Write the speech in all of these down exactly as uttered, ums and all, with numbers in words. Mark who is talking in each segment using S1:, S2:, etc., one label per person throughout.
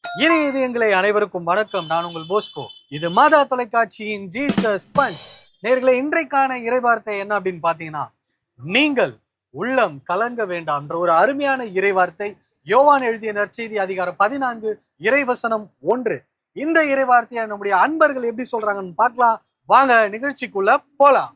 S1: இனி இது எங்களை அனைவருக்கும் வணக்கம். நான் உங்கள் போஸ்கோ. இது மாதா தொலைக்காட்சியின் ஜீசஸ் பஞ்ச். நேர்களை இன்றைக்கான இறைவார்த்தை என்ன அப்படின்னு பாத்தீங்கன்னா, நீங்கள் உள்ளம் கலங்க வேண்டாம் என்ற ஒரு அருமையான இறைவார்த்தை. யோவான் எழுதிய நற்செய்தி அதிகாரம் பதினான்கு இறைவசனம் ஒன்று. இந்த இறைவார்த்தையை நம்முடைய அன்பர்கள் எப்படி சொல்றாங்கன்னு பார்க்கலாம். வாங்க நிகழ்ச்சிக்குள்ள போலாம்.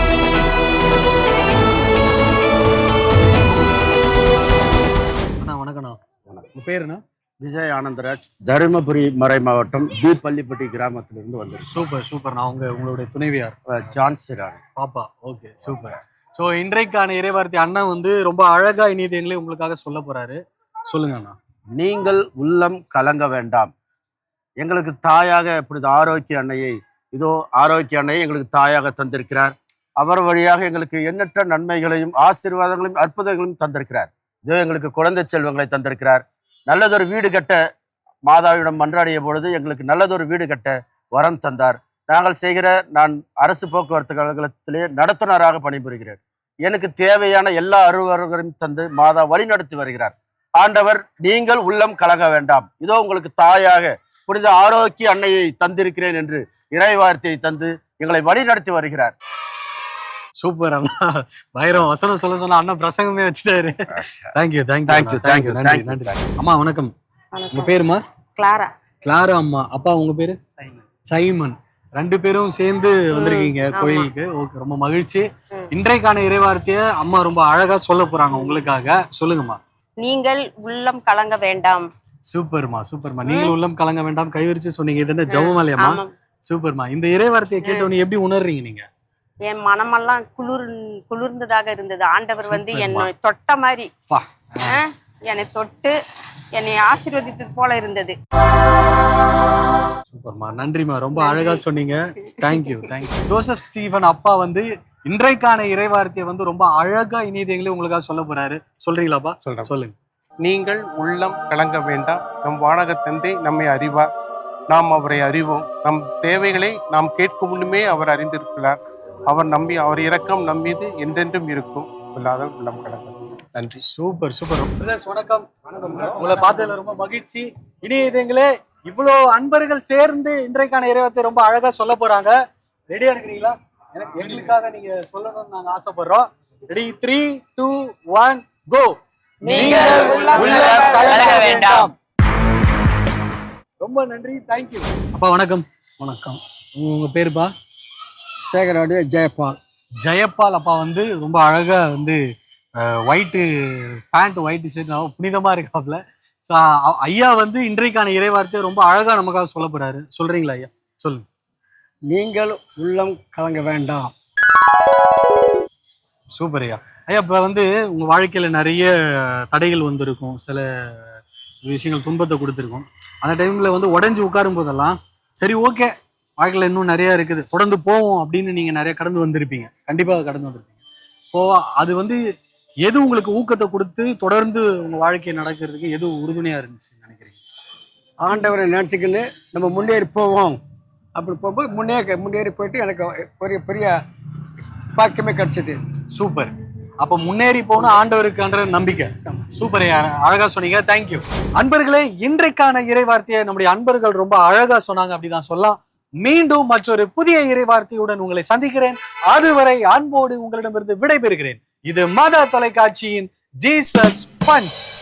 S1: அண்ணா வணக்கண்ணா. உங்க பேருண்ணா?
S2: விஜய் ஆனந்தராஜ், தருமபுரி மறை மாவட்டம் பி பள்ளிப்பட்டி கிராமத்திலிருந்து வந்து.
S1: Super super. நான் உங்க உங்களுடைய துணைவியார்
S2: ஜான்சிரான்
S1: பாப்பா. Okay super. ஸோ இன்றைக்கான இறைவார்த்தை அண்ணன் வந்து ரொம்ப அழகா இனியதைகளை உங்களுக்காக சொல்ல போறாரு. சொல்லுங்க அண்ணா.
S2: நீங்கள் உள்ளம் கலங்க வேண்டாம். எங்களுக்கு தாயாக இப்படி ஆரோக்கிய அன்னையை இதோ ஆரோக்கிய அன்னையை எங்களுக்கு தாயாக தந்திருக்கிறார். அவர் வழியாக எங்களுக்கு எண்ணற்ற நன்மைகளையும் ஆசீர்வாதங்களையும் அற்புதங்களையும் தந்திருக்கிறார். இதோ எங்களுக்கு குழந்தை செல்வங்களை தந்திருக்கிறார். நல்லதொரு வீடு கட்ட மாதாவிடம் மன்றாடிய பொழுது எங்களுக்கு நல்லதொரு வீடு கட்ட வரம் தந்தார். நாங்கள் செய்கிற நான் அரசு போக்குவரத்து கழகத்திலே நடத்துனராக பணிபுரிகிறேன். எனக்கு தேவையான எல்லா அலுவலர்களையும் தந்து மாதா வழி நடத்தி வருகிறார். ஆண்டவர் நீங்கள் உள்ளம் கலங்க வேண்டாம், இதோ உங்களுக்கு தாயாக புனித ஆரோக்கிய அன்னையை தந்திருக்கிறேன் என்று இறைவார்த்தையை தந்து எங்களை வழி நடத்தி வருகிறார்.
S1: சூப்பர் அண்ணா. வைரம் வசனம் சொல்ல சொன்னா அண்ணா பிரசங்கமே வச்சுட்டாரு. தேங்க்யூ தேங்க்யூ
S2: தேங்க்யூ தேங்க்யூ
S1: நன்றி நன்றி. அம்மா வணக்கம். உங்க பேருமா?
S3: கிளாரா.
S1: கிளாரா அம்மா. அப்பா உங்க பேரு? சைமன். ரெண்டு பேரும் சேர்ந்து வந்திருக்கீங்க கோயிலுக்கு. ஓகே, ரொம்ப மகிழ்ச்சி. இன்றைக்கான இறைவார்த்தைய அம்மா ரொம்ப அழகா சொல்ல போறாங்க உங்களுக்காக. சொல்லுங்கம்மா.
S3: நீங்கள் உள்ளம் கலங்க வேண்டாம்.
S1: சூப்பர்மா சூப்பர்மா. நீங்கள் உள்ளம் கலங்க வேண்டாம் கைவிரிச்சு சொன்னீங்க. இது என்ன ஜெபமாலையாம்மா? சூப்பர்மா. இந்த இறைவார்த்தையை கேட்டவொன்னு எப்படி உணர்றீங்க நீங்க?
S3: என் மனமெல்லாம் குளிர் குளிர்ந்ததாக இருந்தது. ஆண்டவர் வந்து என்னை தொட்ட மாதிரி என்னை தொட்டு என்னை ஆசீர்வதித்தது போல இருந்தது.
S1: சூப்பர்மா, நன்றிமா, ரொம்ப அழகா சொன்னீங்க. Thank you thank you. ஜோசப் ஸ்டீஃபன் அப்பா வந்து இன்றைக்கான இறைவார்த்தையை வந்து ரொம்ப அழகா இனியதைகளே உங்களுக்காக சொல்ல போறாரு. சொல்றீங்களாப்பா?
S4: சொல்றேன்.
S1: சொல்லுங்க.
S4: நீங்கள் உள்ளம் கலங்க வேண்டாம். நம் வானக தந்தை நம்மை அறிவார், நாம் அவரை அறிவோம். நம் தேவைகளை நாம் கேட்கும் முன்னுமே அவர் அறிந்திருக்கிறார். அவர் நம்பி அவர் இரக்கம் நம் மீது என்றென்றும் இருக்கும். இல்லாத உள்ளம் கலங்க. நன்றி.
S1: Super super. வணக்கம். உங்களை பார்த்ததுல ரொம்ப மகிழ்ச்சி. இனியதைகளே, இவ்வளவு அன்பர்கள் சேர்ந்து இன்றைக்கான இறைவார்த்தை ரொம்ப அழகா சொல்ல போறாங்க. ரெடியா இருக்கிறீங்களா? எனக்கு எங்களுக்காக நீங்க சொல்லணும்னு நாங்க ஆசைப்படுறோம். Ready? Three two one go. நீங்கள் உள்ளம் கலங்க வேண்டாம். ரொம்ப நன்றி. தேங்க்யூ. அப்பா வணக்கம். வணக்கம். உங்க பேருப்பா?
S5: சேகராடு ஜெயபால்.
S1: ஜெயபால் அப்பா வந்து ரொம்ப அழகா வந்து ஒயிட்டு பேண்ட் ஒயிட் ஷர்ட் புனிதமா இருக்காப்ல. ஸோ ஐயா வந்து இன்றைக்கான இறைவார்த்தையை ரொம்ப அழகா நமக்காக சொல்ல போறாரு. சொல்றீங்களா ஐயா? சொல்லுங்க.
S5: நீங்கள் உள்ளம் கலங்க வேண்டாம்.
S1: சூப்பர் ஐயா. ஐயா, இப்போ வந்து உங்க வாழ்க்கையில நிறைய தடைகள் வந்திருக்கும், சில விஷயங்கள் துன்பத்தை கொடுத்துருக்கும். அந்த டைம்ல வந்து உடஞ்சி உட்காரும் போதெல்லாம் சரி ஓகே, வாழ்க்கையில் இன்னும் நிறைய இருக்குது, தொடர்ந்து போவோம் அப்படின்னு நீங்க நிறைய கடந்து வந்திருப்பீங்க. கண்டிப்பாக கடந்து வந்திருப்பீங்க. இப்போ அது வந்து எது உங்களுக்கு ஊக்கத்தை கொடுத்து தொடர்ந்து உங்க வாழ்க்கையை நடக்கிறதுக்கு எது உறுதுணையா இருந்துச்சு நினைக்கிறீங்க?
S5: ஆண்டவரை நினச்சிக்கின்னு நம்ம முன்னேறி போவோம். அப்படி போகும்போது முன்னே முன்னேறி போயிட்டு எனக்கு பெரிய பெரிய பாக்கியமே கிடைச்சது.
S1: சூப்பர். அப்போ முன்னேறி போன ஆண்டவருக்குன்ற நம்பிக்கை. சூப்பர், அழகா சொன்னீங்க. தேங்க்யூ. அன்பர்களே, இன்றைக்கான இறைவார்த்தையை நம்முடைய அன்பர்கள் ரொம்ப அழகா சொன்னாங்க அப்படிதான் சொல்லலாம். மீண்டும் மற்றொரு புதிய இறைவார்த்தையுடன் உங்களை சந்திக்கிறேன். அதுவரை அன்போடு உங்களிடமிருந்து விடைபெறுகிறேன். இது மாதா தொலைக்காட்சியின் ஜீசஸ் பஞ்ச்.